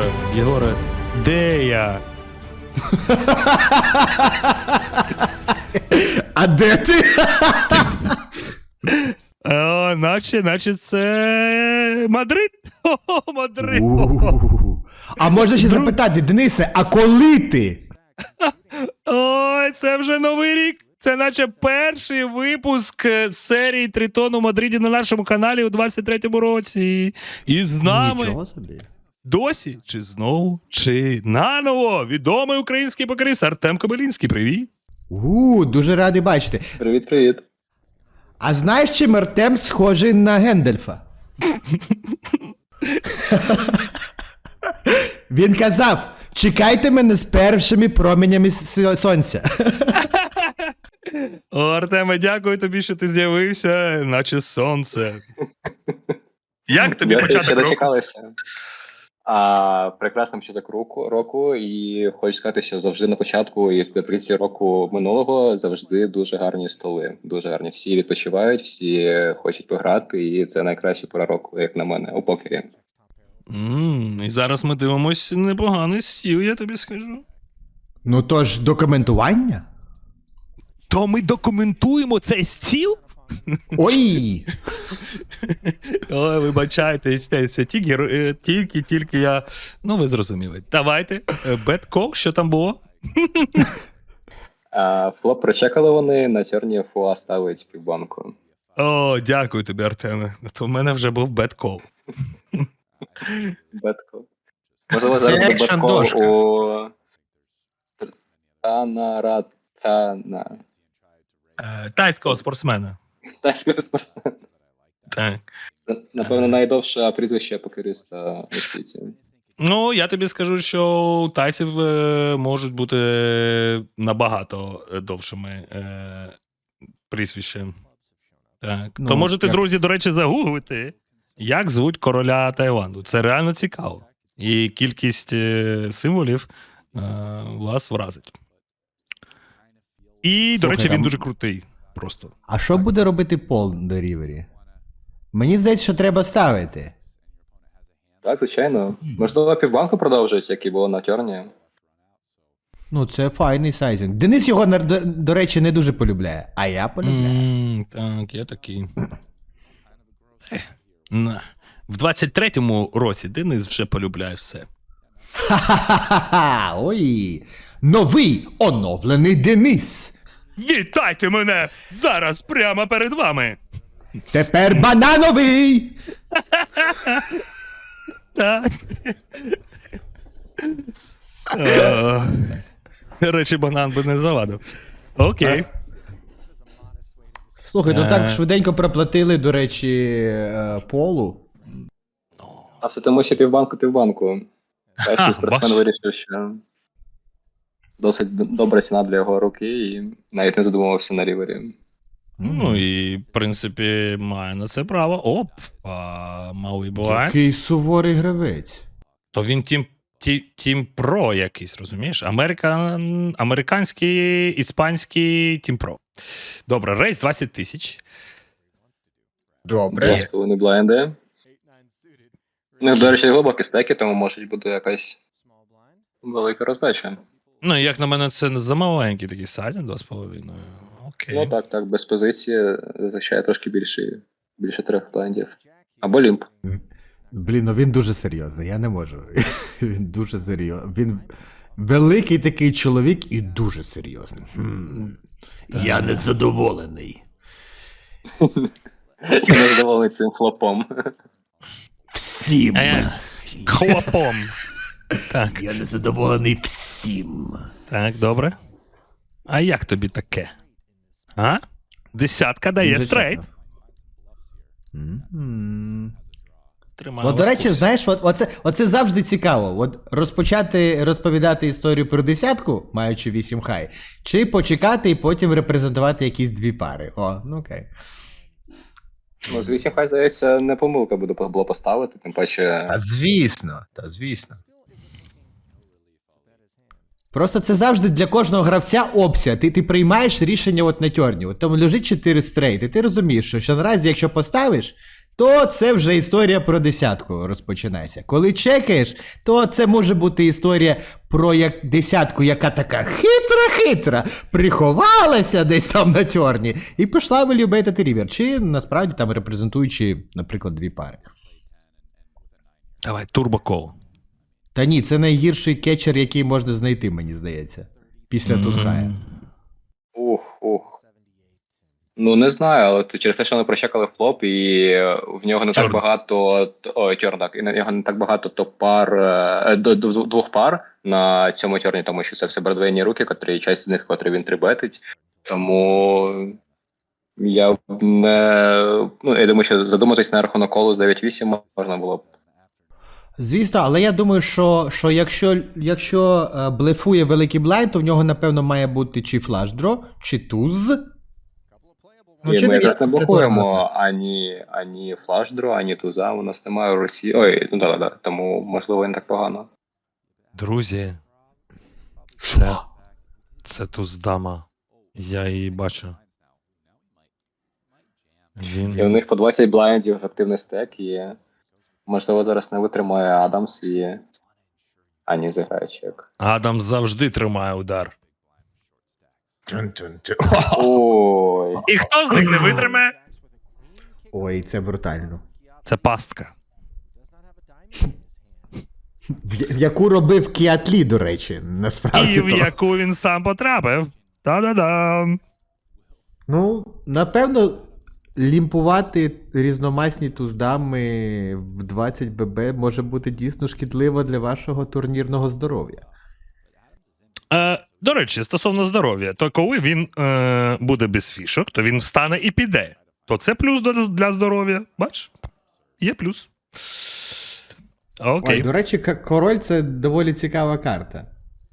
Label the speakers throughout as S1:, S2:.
S1: Єгоре, де я?
S2: А де ти?
S1: О, наче це Мадрид. О, Мадрид.
S2: А можна ще запитати, Денисе, а коли ти?
S1: Ой, це вже Новий рік. Це наче перший випуск серії Тритон у Мадриді на нашому каналі у 23-му році. І з нами
S2: Нічого собі.
S1: досі, чи знову, чи наново відомий український покерист Артем Кобилінський. Привіт.
S2: Дуже радий бачити.
S3: Привіт-привіт.
S2: А знаєш, чим Артем схожий на Гендальфа? Він казав, чекайте мене з першими променями сонця.
S1: О, Артеме, дякую тобі, що ти з'явився, наче сонце. Як тобі
S3: Дякую,
S1: початок
S3: що
S1: року?
S3: дочекалися. Прекрасний початок року, і хочу сказати, що завжди на початку і в наприкінці року минулого завжди дуже гарні столи. Дуже гарні. Всі відпочивають, всі хочуть пограти, і це найкраща пора року, як на мене, у покері.
S1: І зараз ми дивимось непоганий стіл, я тобі скажу.
S2: Ну тож, документування?
S1: То ми документуємо цей стіл?
S2: Ой!
S1: Ой, вибачайте, це тільки я... Ну, ви зрозуміли. Давайте, бет-кол, що там було?
S3: Флоп прочекали вони, на чорні фуа ставить півбанку.
S1: О, дякую тобі, Артеме. То в мене вже був бет-кол.
S3: Бетко. Можливо,
S2: Це
S3: зараз буде
S2: екшн
S3: беткол
S2: дошка.
S3: у Танаратана.
S1: Тайського спортсмена.
S3: Тайського спортсмена.
S1: Так.
S3: Напевно, найдовше прізвище покериста у світі.
S1: Ну, я тобі скажу, що у тайців можуть бути набагато довшими прізвища. Так.
S2: Ну,
S1: То можете,
S2: як-
S1: друзі, до речі, загуглити, як звуть короля Таїланду. Це реально цікаво. І кількість символів вас вразить. І, до
S2: Слухай,
S1: речі, він
S2: там-
S1: дуже крутий. Просто.
S2: А що буде робити Пол до рівері? Мені здається, що треба ставити.
S3: Так, звичайно. Можливо, півбанку продовжують, як і було на тьорні.
S2: Ну, це файний сайзинг. Денис його, до речі, не дуже полюбляє, а я полюбляю.
S1: Так, я такий. В 23-му році Денис вже полюбляє все.
S2: Ха-ха-ха-ха! Ой! Новий оновлений Денис!
S1: Вітайте мене зараз прямо перед вами.
S2: Тепер банановий!
S1: Так. Речі, банан би не завадив. Окей.
S2: Слухай, ну так швиденько проплатили, до речі, Полу.
S3: А все тому, що півбанку. Перший спортсмен
S1: бачиш.
S3: вирішив, що досить добра ціна для його руки, і навіть не задумувався на рівері.
S1: Ну і, в принципі, має на це право. Малий буває.
S2: Який суворий гравець.
S1: То він Тім Про якийсь, розумієш? Американський, іспанський Тім Про. Добре, рейс 20 тисяч.
S2: Добре.
S3: 2,5 блайнди. Ну, до речі, глибокі стеки, тому може бути якась велика роздача.
S1: Ну, як на мене, це замаленький такий сайзинг, 2,5. Окей.
S3: Ну так, без позиції зазвичай трошки більше 3 блайндів. Або лімп.
S2: Блін, ну він дуже серйозний, я не можу. Він дуже серйозний. Він великий такий чоловік і дуже серйозний. Я незадоволений.
S3: Я не задоволений цим флопом.
S2: Всім.
S1: Хлопом. Так,
S2: Я незадоволений всім.
S1: так, добре. А як тобі таке? А? Десятка дає стрейт. Тримаю
S2: От, до
S1: вас в
S2: речі,
S1: курсі.
S2: знаєш, оце завжди цікаво. От розпочати розповідати історію про десятку, маючи 8 хай, чи почекати і потім репрезентувати якісь дві пари. О, ну окей.
S3: Ну, з 8 хай, здається, не помилка було поставити, тим паче.
S2: звісно. Просто це завжди для кожного гравця опція. Ти приймаєш рішення от на тьорні. От там лежить 4 стрейт, і ти розумієш, що наразі, якщо поставиш, то це вже історія про десятку розпочинається. Коли чекаєш, то це може бути історія про десятку, яка така хитра-хитра, приховалася десь там на тьорні і пішла вилюбити рівер. Чи насправді там репрезентуючи, наприклад, дві пари.
S1: Давай, турбокол.
S2: Та ні, це найгірший кетчер, який можна знайти, мені здається. Після Туская.
S3: Ух. Ну, не знаю, але через те, що вони прочекали флоп, і в нього не так
S1: Чорт.
S3: багато. Ой, Тьорн, так. І в нього не так багато топ-пар, двох пар на цьому Тьорні, тому що це все бродвейні руки, котрі часть з них, котрі він трибетить. Тому я б не. Ну, я думаю, що задуматись на рахунок колу з 9-8 можна було б.
S2: Звісно, але я думаю, що якщо блефує великий блайнд, то в нього, напевно, має бути чи флаш-дро, чи туз.
S3: І
S2: чи
S3: ми
S2: не
S3: якраз не
S2: є?
S3: блокуємо ані флаш-дро, ані туза, у нас немає у Росії. Ой, ну да, тому можливо і не так погано.
S1: Друзі, це туз-дама. Я її бачу.
S3: І у них по 20 блайндів активний стек, і можливо зараз не витримає Адамс і ані зіграє чек.
S1: Адам завжди тримає удар.
S3: Ой.
S1: І хто з них не витримає?
S2: Ой, це брутально.
S1: Це пастка.
S2: В яку робив Кіатлі, до речі, насправді.
S1: І в
S2: то.
S1: яку він сам потрапив. Та-да-дам.
S2: Ну, напевно, лімпувати різномасні туздами в 20 ББ може бути дійсно шкідливо для вашого турнірного здоров'я.
S1: До речі, стосовно здоров'я, то коли він буде без фішок, то він встане і піде. То це плюс для здоров'я. Бач? Є плюс. Окей.
S2: Ой, до речі, король це доволі цікава карта.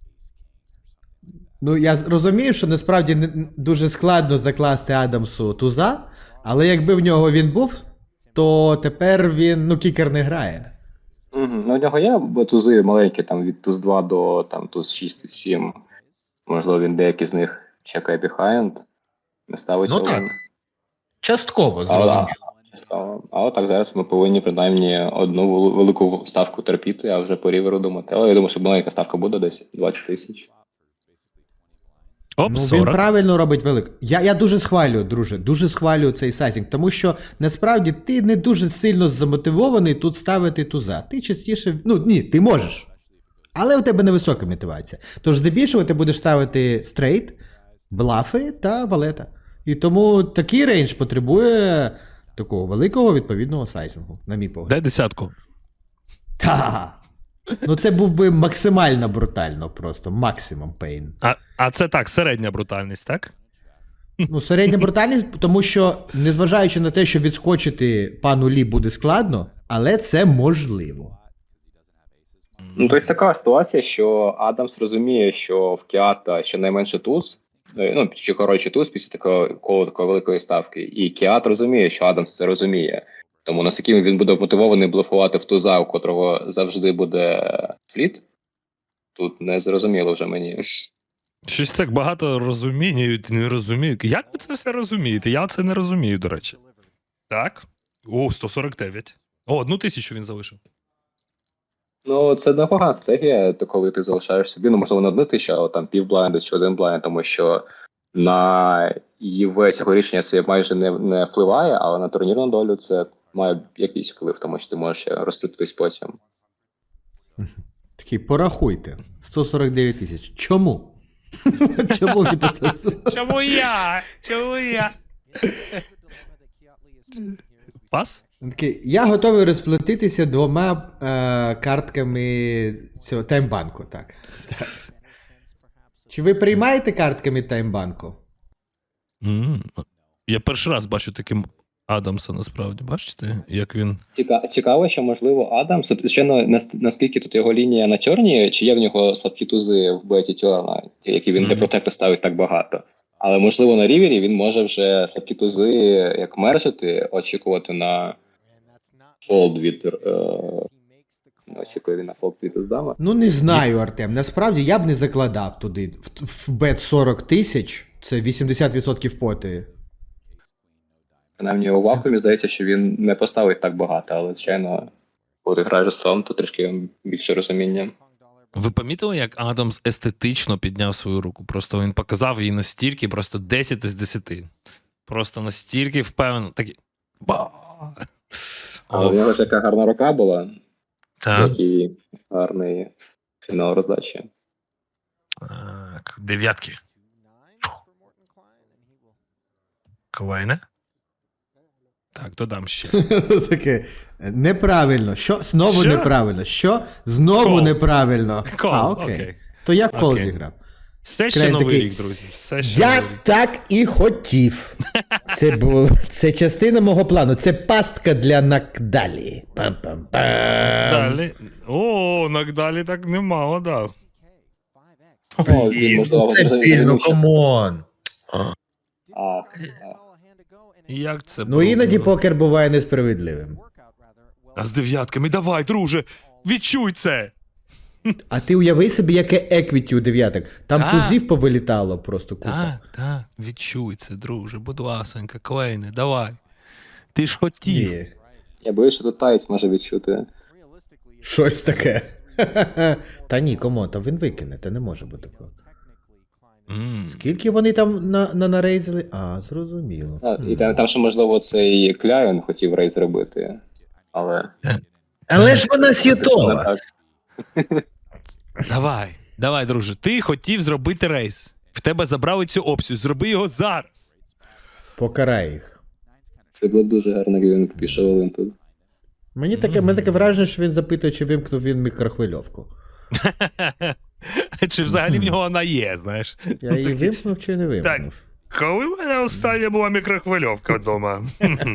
S2: Ну, я розумію, що насправді дуже складно закласти Адамсу туза, але якби в нього він був, то тепер він, кікер не грає.
S3: Ну, у нього є тузи маленькі, там від туз 2 до там, туз 6, туз 7. Можливо, він деякі з них чекає behind, не ставить
S2: Ну,
S3: один.
S2: так. Частково,
S3: Цікаво. А отак зараз ми повинні принаймні одну велику ставку терпіти, а вже по ріверу думати. Але я думаю, що маленька ставка буде десь 20 тисяч.
S1: Оп,
S2: Він
S1: 40.
S2: правильно робить велику. Я дуже схвалюю, друже, дуже схвалюю цей сайзінг, тому що насправді ти не дуже сильно замотивований тут ставити туза. Ти частіше, ні, ти можеш. Але у тебе невисока мотивація. Тож здебільшого ти будеш ставити стрейт, блафи та валета. І тому такий рейндж потребує такого великого відповідного сайзингу, на мій погляд.
S1: Дай десятку.
S2: Та. Це був би максимально брутально просто, максимум пейн.
S1: А це так, середня брутальність, так?
S2: Середня брутальність, тому що, незважаючи на те, що відскочити пану Лі буде складно, але це можливо.
S3: Тобто така ситуація, що Адамс розуміє, що в Кіата щонайменше туз, чи коротше туз після такої великої ставки. І Кіат розуміє, що Адамс це розуміє. Тому наскільки він буде мотивований блефувати в туза, у котрого завжди буде спліт, тут не зрозуміло вже мені.
S1: Щось так багато розуміють, не розуміють. Як ви це все розумієте? Я це не розумію, до речі. Так. 149. 1000 він залишив.
S3: Це непогана стратегія, коли ти залишаєш собі, можливо, не 1000, а там півблайнду чи один блайнд, тому що на ЄВ цього рішення це майже не впливає, але на турнірну долю це має якийсь вплив, тому що ти можеш розплютитись потім.
S2: Такий, порахуйте. 149 тисяч. Чому? Чому він це?
S1: Чому я? Чому я? Пас?
S2: Такий, я готовий розплатитися 2 картками цього таймбанку. Так. Чи ви приймаєте картками таймбанку?
S1: Я перший раз бачу таким Адамса, насправді. Бачите, як він...
S3: Цікаво, що, можливо, Адамс, звичайно, наскільки тут його лінія на чорні, чи є в нього слабкі тузи в беті Тьорна, які він для протекту ставить так багато. Але, можливо, на рівері він може вже слабкі тузи як мержити, очікувати на фолд від... очікує він на фолд від Уздама.
S2: Не знаю, Артем. Насправді я б не закладав туди. В бет 40 тисяч, це 80% поти.
S3: Принаймні у вакуумі здається, що він не поставить так багато, але, звичайно, коли ти граєш столом, то трішки більше розуміння.
S1: Ви помітили, як Адамс естетично підняв свою руку? Просто він показав її настільки, просто 10 із 10. Просто настільки впевнено. Такий. Ба!
S3: Але у нього ж яка гарна рука була,
S1: Так.
S3: який гарний фінал роздачі.
S1: Так, дев'ятки. Квайне? Так, додам ще.
S2: Таке. Неправильно. Що? Знову
S1: Що?
S2: неправильно. Що? Знову
S1: Кол.
S2: неправильно.
S1: Кол,
S2: А, окей.
S1: окей.
S2: То я кол
S1: Окей.
S2: зіграв.
S1: Все ще
S2: Крайне
S1: новий
S2: такий,
S1: рік, друзі. Все ще
S2: Я
S1: новий рік.
S2: так і хотів. Це частина мого плану. Це пастка для Нагдалі. Пам-пам-пам.
S1: Далі. О, Нагдалі так немало дав.
S3: Ну, він, можливо,
S4: Це пільно,
S3: розуміє,
S4: камон.
S3: а,
S1: Як це
S2: Ну іноді
S1: пробувало?
S2: покер буває несправедливим.
S1: А з дев'ятками, давай, друже, відчуй це.
S2: А ти уяви собі, яке еквіті у дев'яток. Там
S1: Так.
S2: тузів повилітало просто купа.
S1: Так, так, відчуй це, друже, будь ласенька, Квейне, давай. Ти ж хотів.
S2: Ні.
S3: я боюсь, що тут таєць може відчути.
S2: Щось таке. Та ні, кому, та він викине, та не може бути такого. Скільки вони там нарейзили? А, зрозуміло.
S3: І там ще, можливо, цей Кляйн хотів рейс зробити, але...
S4: Але ж вона
S3: Не
S4: с'ютова.
S3: так.
S1: Давай, друже, ти хотів зробити рейс. В тебе забрали цю опцію, зроби його зараз.
S2: Покарай їх.
S3: Це було дуже гарно, як він пішов Олин тут.
S2: Мене таке враження, що він запитує, чи вимкнув він мікрохвильовку.
S1: Чи взагалі в нього вона є, знаєш?
S2: Я її вимкнув чи не
S1: Так.
S2: вимкнув?
S1: Коли в мене остання була мікрохвильовка вдома?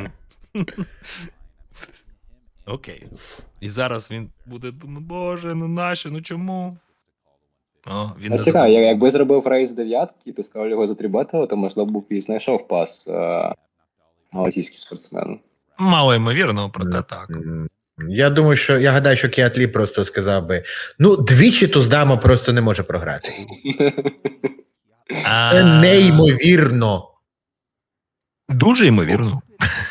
S1: Окей. І зараз він буде думати, боже, ну нащо, ну чому? О, він не
S3: Цікаво,
S1: забув.
S3: якби зробив рейс дев'ятки і пускав його за 3 бетела, то, можливо, б і знайшов пас малазійський спортсмен.
S1: Мало ймовірно, проте так.
S4: Я думаю, що я гадаю, що Кіатлі просто сказав би: ну, двічі Туздама просто не може програти. Це неймовірно.
S1: Дуже ймовірно.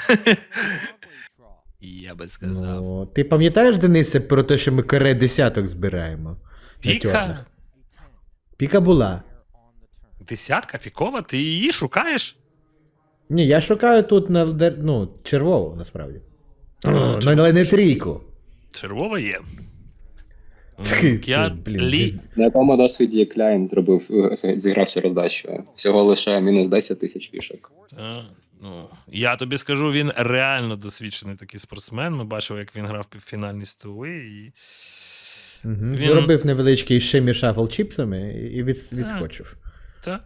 S1: Я би сказав.
S2: Ну, ти пам'ятаєш, Денисе, про те, що ми каре десяток збираємо? На
S1: Піка?
S2: чорних? Піка була.
S1: Десятка пікова? Ти її шукаєш?
S2: Ні, я шукаю тут червову, насправді. Але не трійку.
S1: Червова є.
S2: Ти,
S1: Я
S2: блін,
S1: лі...
S3: На якому досвіді Кляйн зіграв всю роздачу? Всього лише мінус 10 тисяч фішок.
S1: Ну, я тобі скажу, він реально досвідчений такий спортсмен. Ми бачили, як він грав півфінальні столи. І... Він-
S2: Зробив невеличкий шимі шафл чіпсами і відскочив.
S1: Так.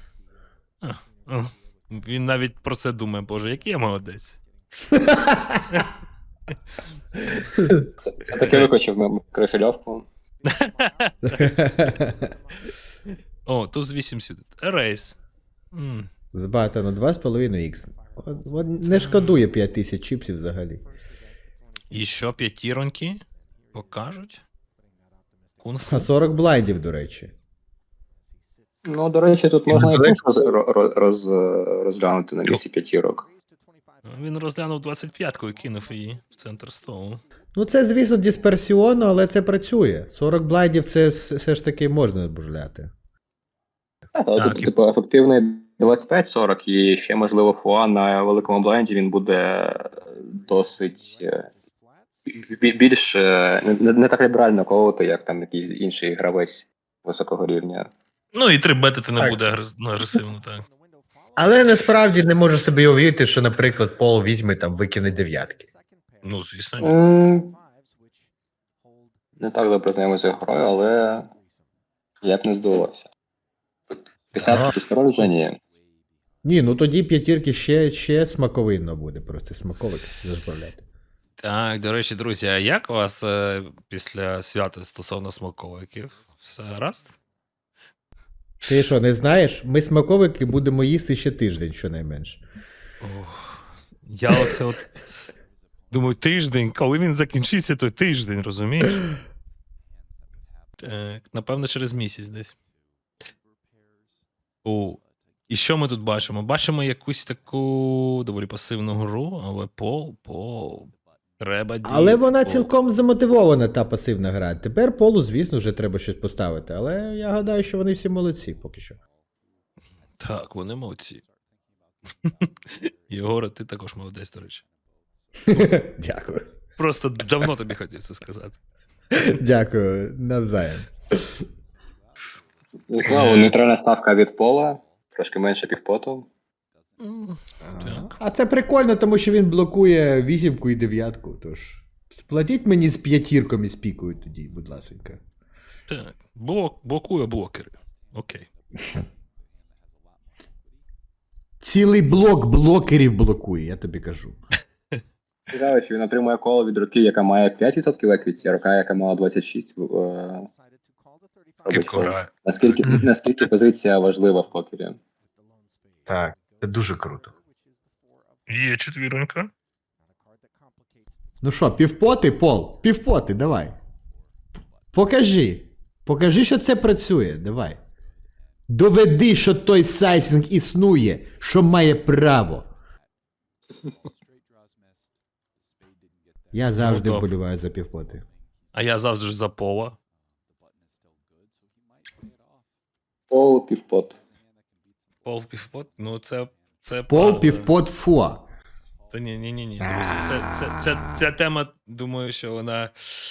S1: Він навіть про це думає, боже, який я молодець.
S3: Це таки викочив микрофільовку.
S1: О, туз 8 сюди. Рейс.
S2: З батону 2,5х. Не шкодує 5000 чіпсів взагалі.
S1: І що, п'ятіроньки покажуть? Кунг-фу.
S2: А 40 блайдів, до речі.
S3: Ну, до речі, тут можна і кунг розглянути на місці п'ятірок.
S1: Він розглянув 25-ку і кинув її в центр столу.
S2: Ну, це, звісно, дисперсіонно, але це працює. 40 блайдів це все ж таки можна бужляти.
S3: Так, але
S1: Так,
S3: тут, типу, ефективний 25-40, і ще, можливо, фуа на великому бленді він буде досить більш не так ліберально колоти, як там якийсь інший гравець високого рівня.
S1: Ну і 3 бетити не
S4: Так.
S1: буде агресивно, так.
S4: Але насправді не можу собі уявити, що, наприклад, Пол візьме там викине дев'ятки.
S1: Ну, звісно, ні.
S3: Не так добре знайомий з грою, але я б не здивувався. Десятки після вже ні.
S2: Ні, ну тоді п'ятірки ще смаковинно буде, просто смаковик зажбавляти.
S1: Так, до речі, друзі, а як у вас після свята стосовно смаковиків? Все гаразд?
S2: Ти що, не знаєш? Ми смаковики будемо їсти ще тиждень, щонайменше.
S1: Я оце от думаю, тиждень, коли він закінчиться, той тиждень, розумієш? Так, напевно, через місяць десь. І що ми тут бачимо? Бачимо якусь таку доволі пасивну гру, але Пол, треба діяти.
S2: Але вона
S1: Пол.
S2: цілком замотивована, та пасивна гра. Тепер Полу, звісно, вже треба щось поставити. Але я гадаю, що вони всі молодці поки що.
S1: Так, вони молодці. Єгоре, ти також молодець, до речі.
S2: Дякую.
S1: Просто давно тобі хотів це сказати.
S2: Дякую, навзаєм.
S3: Знову нейтральна ставка від Пола, трошки менше півпоту.
S1: Так.
S2: А це прикольно, тому що він блокує вісімку і дев'ятку. Тож сплатіть мені з п'ятірком і з пікою тоді, будь ласенька.
S1: Так. Блокує блокери. Окей.
S2: Цілий блок блокерів блокує, я тобі кажу.
S3: Цікаво, що він отримує коло від руки, яка має 5% еквіті, а рука, яка мала 26, робить
S1: Кіпко
S3: фолд.
S1: грає.
S3: Наскільки позиція важлива в покері?
S4: Так, це дуже круто.
S1: Є четвіронька.
S2: Ну що, півпоти, Пол? Півпоти, давай. Покажи. Покажи, що це працює, давай. Доведи, що той сайзинг існує, що має право. Я завжди
S1: добре.
S2: вболіваю за півпоти.
S1: А я завжди ж за Пола.
S3: Пол, півпот.
S1: Пол півпот? Ну це
S2: Пол,
S1: правда.
S2: півпот, фуа.
S1: Та ні. Друзі, ця тема, думаю, що вона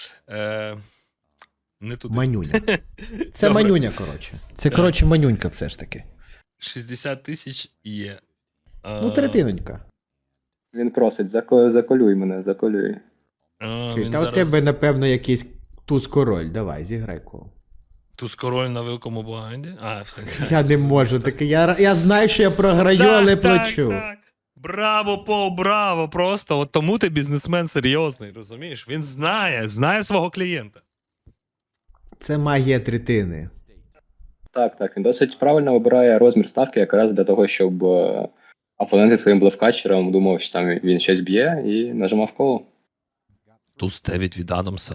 S1: не туди.
S2: Манюня. Це
S1: Добре.
S2: манюня, коротше. Це, коротше, манюнька все ж таки.
S1: 60 тисяч є.
S2: Ну, третинонька.
S3: Він просить, заколюй мене, заколюй.
S1: Він
S2: Та у
S1: зараз
S2: тебе, напевно, якийсь туз-король. Давай, зіграй кол.
S1: туз король на великому блайнді. А, в сенсі.
S2: Я не можу таке. Я знаю, що я програю, але плачу.
S1: Так. Браво, Пол, браво! Просто от тому ти бізнесмен серйозний, розумієш? Він знає свого клієнта.
S2: Це магія третини.
S3: Так, він досить правильно вибирає розмір ставки якраз для того, щоб опонент зі своїм блефкатчером думав, що там він щось б'є і нажимав коло.
S1: Туз 9 від Адамса.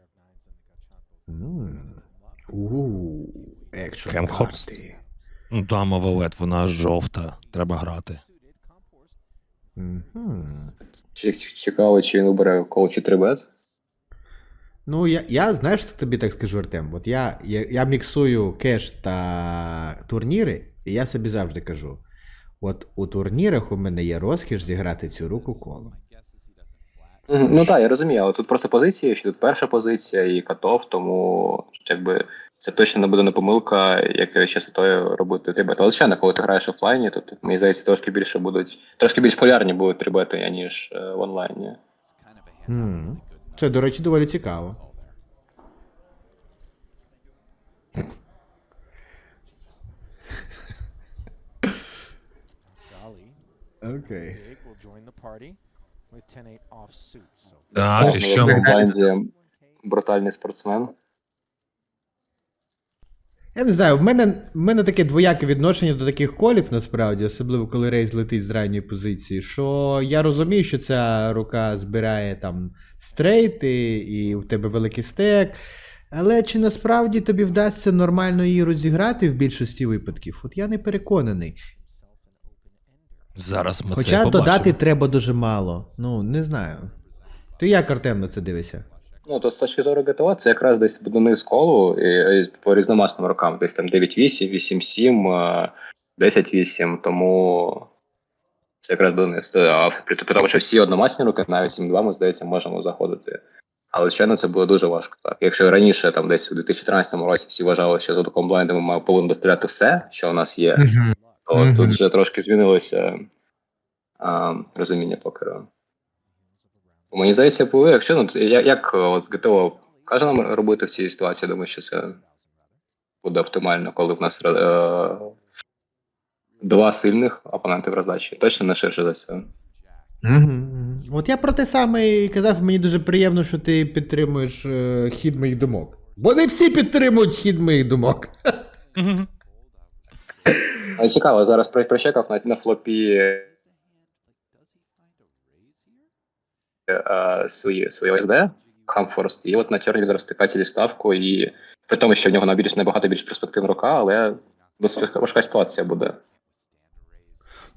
S2: Екшн
S1: Кемхорст.
S2: карти.
S1: Ну, дама валет, вона жовта. Треба грати.
S2: Мгм.
S3: Цікаво, чи він вибере коло чи 3-бет.
S2: Ну, я знаєш, що тобі так скажу, Артем? От я міксую кеш та турніри, і я собі завжди кажу: от у турнірах у мене є розкіш зіграти цю руку колом.
S3: Ну так, я розумію, але тут просто позиції, що тут перша позиція і катов, тому якби це точно не буде не помилка, як частотою робити трибети. Але звичайно, коли ти граєш офлайні, то мені здається, трошки більш полярні будуть трибети, ніж в онлайні.
S2: Це, до речі, доволі цікаво. Окей.
S1: Так, і що
S3: В
S1: ми...
S3: команді брутальний спортсмен.
S2: Я не знаю, в мене таке двояке відношення до таких колів, насправді, особливо коли рейс летить з ранньої позиції, що я розумію, що ця рука збирає там стрейти, і в тебе великий стек, але чи насправді тобі вдасться нормально її розіграти в більшості випадків? От я не переконаний.
S1: Зараз ми
S2: Хоча
S1: це побачимо.
S2: додати треба дуже мало. Ну, не знаю. Ти як, Артем, на це дивишся?
S3: Ну, то з точки зору ГТО, це якраз десь буде низ колу і по різномасним рокам. Десь там 9-8, 8-7, 10-8, тому це якраз буде низ. А при тому, що всі одномасні роки, навіть 7-2, ми, здається, можемо заходити. Але, звичайно, це буде дуже важко. Так. Якщо раніше, там десь у 2014 році всі вважали, що за таким блайндом ми повинні доставляти все, що у нас є, то тут вже трошки змінилося розуміння покеру. Мені здається, якщо як от ГТО каже нам робити в цій ситуації, я думаю, що це буде оптимально, коли в нас два сильних опоненти в роздачі. Точно не ширше за це.
S2: От я про те саме і казав, мені дуже приємно, що ти підтримуєш хід моїх думок. Бо не всі підтримують хід моїх думок.
S1: Мгм.
S3: Але цікаво, зараз прочекав на флопі свої ОСД, Хамфорст, і от на Терні зараз стикається зі ставкою, і при тому, що в нього набагато більш перспективна рука, але досить важка ситуація буде.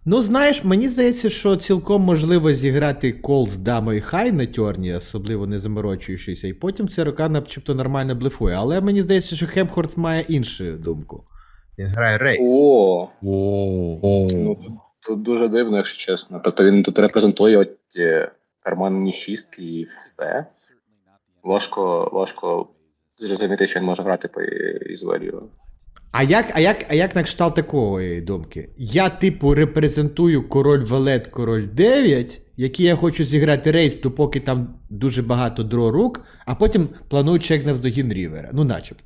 S2: Ну, знаєш, мені здається, що цілком можливо зіграти кол з дамою хай на тьорні, особливо не заморочуючися, і потім ЦРК начебто нормально блефує. Але мені здається, що Хемхорст має іншу думку.
S4: Він грає рейс.
S3: О,
S1: О.
S3: ну тут дуже дивно, якщо чесно. Тобто він тут репрезентує от карманні шістки і все. Важко зрозуміти, що він може грати по Ізвелію.
S2: А як на кшталт такої думки? Я, типу, репрезентую король Валет, король 9, які я хочу зіграти рейс, допоки там дуже багато дро рук, а потім планую чек навздогін Рівера. Ну, начебто.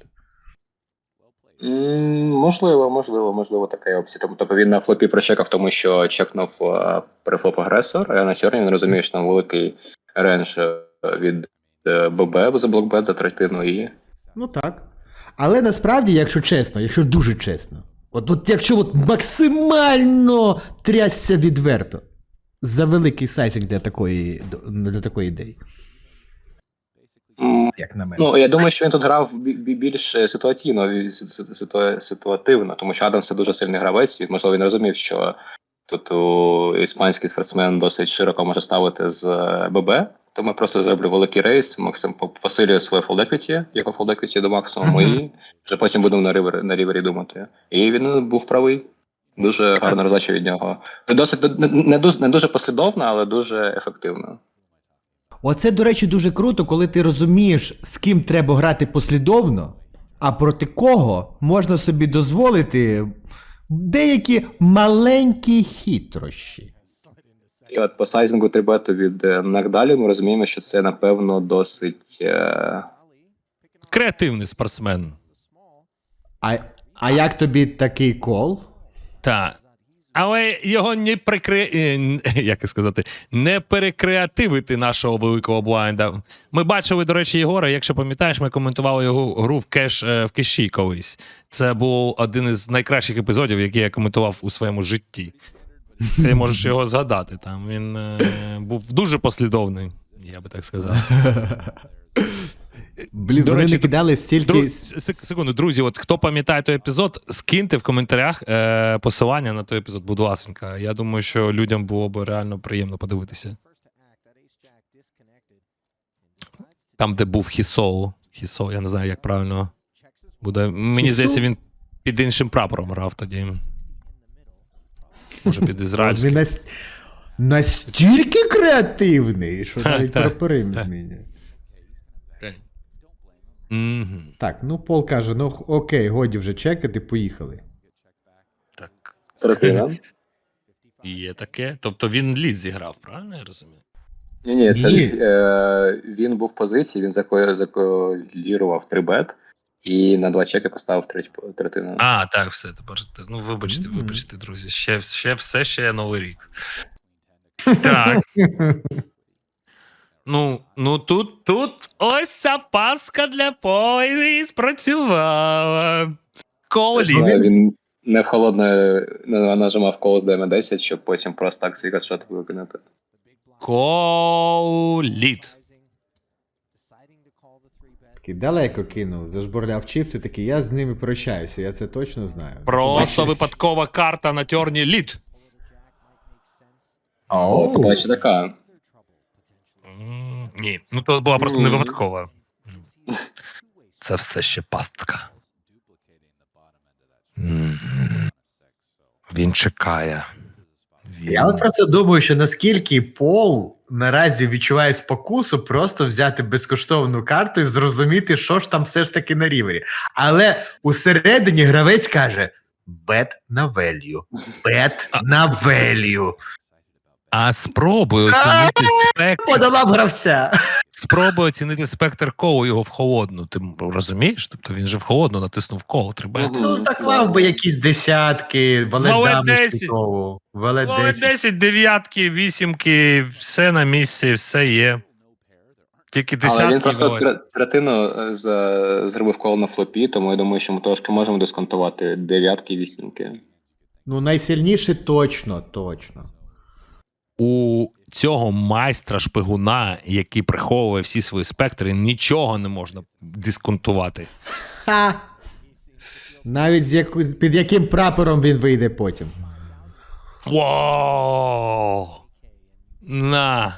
S3: Можливо, така опція. Тобто він на флопі прочекав, тому що чекнув префлоп агресор, а на чорні він розуміє, що там великий рендж від ББ за блокбет за третину і.
S2: Ну так. Але насправді, якщо чесно, якщо дуже чесно, от якщо от максимально трясся відверто, за великий сайзинг для такої ідеї.
S4: Як на мене.
S3: Ну, я думаю, що він тут грав більш ситуативно, тому що Адамс це дуже сильний гравець, і, можливо, він розумів, що тут іспанський спортсмен досить широко може ставити з ББ, тому я просто зроблю великий рейс, посилюю своє фолдеквіті, його фолдеквіті до максимуму, і вже потім будемо на рівері думати. І він був правий. Дуже гарна роздача від нього. Досить не дуже послідовно, але дуже ефективно.
S2: Оце, до речі, дуже круто, коли ти розумієш, з ким треба грати послідовно, а проти кого можна собі дозволити деякі маленькі хитрощі.
S3: І от по сайзингу трибету від Нагдалі ми розуміємо, що це, напевно, досить...
S1: Креативний спортсмен.
S2: А як тобі такий кол?
S1: Так. Але його не перекреативити нашого великого блайнда. Ми бачили, до речі, Єгора, якщо пам'ятаєш, ми коментували його гру в кеші колись. Це був один із найкращих епізодів, які я коментував у своєму житті. Ти можеш його згадати. Там він був дуже послідовний, я би так сказав.
S2: Блін,
S1: До
S2: вони
S1: речі,
S2: не кидали стільки...
S1: Секунду, друзі, от хто пам'ятає той епізод, скиньте в коментарях посилання на той епізод, будь ласенька. Я думаю, що людям було б реально приємно подивитися. Там, де був Хісоу. Хісоу, я не знаю, як правильно буде. Мені здається, він під іншим прапором грав тоді. Може, під ізраїльським.
S2: Він настільки креативний, що навіть прапори не змінює.
S1: Мгм.
S2: Так, ну Пол каже, ну окей, годі вже чекати, поїхали.
S1: Так.
S3: Третина.
S1: Є таке. Тобто він лід зіграв, правильно я розумію?
S3: Ні, це
S2: Ні.
S3: він був в позиції, він заколірував 3-бет і на 2 чеки поставив третину.
S1: А, так, все, тепер. Ну, вибачте, друзі. Ще Новий рік. Так. Ну тут ось ця паска для поезії спрацювала. Колі.
S3: Він не в холодне нажимав кол з ДМ-10, щоб потім просто так свій катшот виконати.
S1: Коліт.
S2: Такий далеко кинув, зажбурляв чіпси, такий, я з ними прощаюся, я це точно знаю.
S1: Просто
S2: Бачиш?
S1: випадкова карта на тьорні лід.
S3: О, побачи така.
S1: Ні, ну то була просто не випадкова. Це все ще пастка. Він чекає.
S4: Я от просто думаю, що наскільки Пол наразі відчуває спокусу просто взяти безкоштовну карту і зрозуміти, що ж там все ж таки на рівері. Але усередині гравець каже: бет на value, бет на value.
S1: А спробуй оцінити спектр.
S4: Подолав гравця.
S1: Спробуй оцінити спектр колу його в холодну. Ти розумієш? Тобто він же в холодну натиснув коло, треба.
S4: Ну, заклав би якісь десятки,
S1: Валет
S4: валет
S1: 10.
S4: Валет 10.
S1: 10, дев'ятки, вісімки, все на місці, все є. Тільки
S3: Але він
S1: десятки.
S3: просто третину зробив коло на флопі, тому я думаю, що ми трошки можемо дисконтувати дев'ятки і вісімки.
S2: Ну, найсильніше точно.
S1: У цього майстра шпигуна, який приховує всі свої спектри, нічого не можна дисконтувати.
S2: Ха! Навіть під яким прапором він вийде потім.
S1: Вау! На.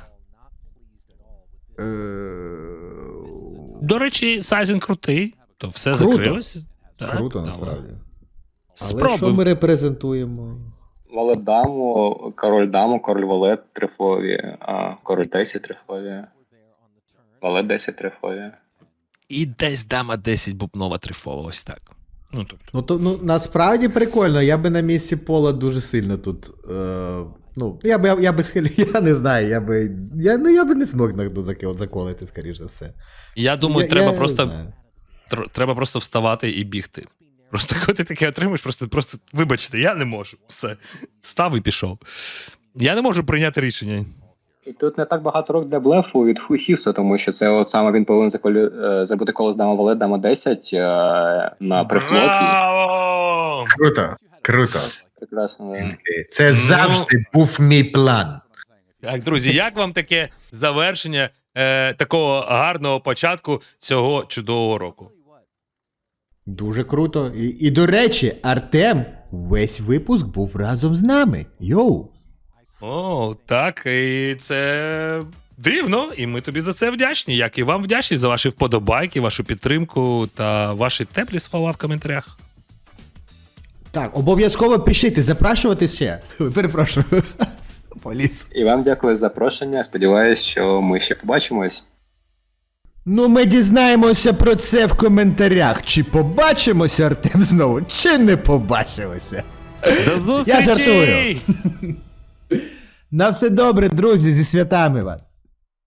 S1: До речі, сайзинг крутий, то все
S2: Круто.
S1: закрилося. Так,
S2: Круто,
S1: давай.
S2: насправді. Але
S1: Спробуй.
S2: що ми репрезентуємо?
S3: Валет даму, король валет трифові, а король 10 трифові. Валет 10 трифові.
S1: І десь дама 10 бубнова трифова, ось так. Ну, тобто.
S2: Ну, насправді прикольно, я би на місці Пола дуже сильно тут. Я би схилив, я не знаю, я би не змог заколити, скоріш за все.
S1: Я думаю,
S2: Я
S1: треба
S2: не
S1: просто
S2: знаю.
S1: треба просто вставати і бігти. Просто коли ти таке отримуєш, просто вибачте, я не можу. Все. Встав і пішов. Я не можу прийняти рішення.
S3: І тут не так багато рук для блефу від Хіса, тому що це от саме він повинен зробити коло з дама валет, дама 10 на прифлоті.
S1: Браво!
S4: Круто.
S3: Прекрасно, да.
S4: Це завжди був мій план.
S1: Так, друзі, як вам таке завершення такого гарного початку цього чудового року?
S2: Дуже круто. І до речі, Артем весь випуск був разом з нами. Йоу!
S1: О, так, і це дивно, і ми тобі за це вдячні. Як і вам вдячні за ваші вподобайки, вашу підтримку та ваші теплі слова в коментарях.
S2: Так, обов'язково пишіть, запрошувати ще. Перепрошую. Поліс.
S3: І вам дякую за запрошення. Сподіваюсь, що ми ще побачимось.
S2: Ну, ми дізнаємося про це в коментарях. Чи побачимося, Артем, знову, чи не побачимося.
S1: До зустрічі!
S2: жартую. На все добре, друзі, зі святами вас.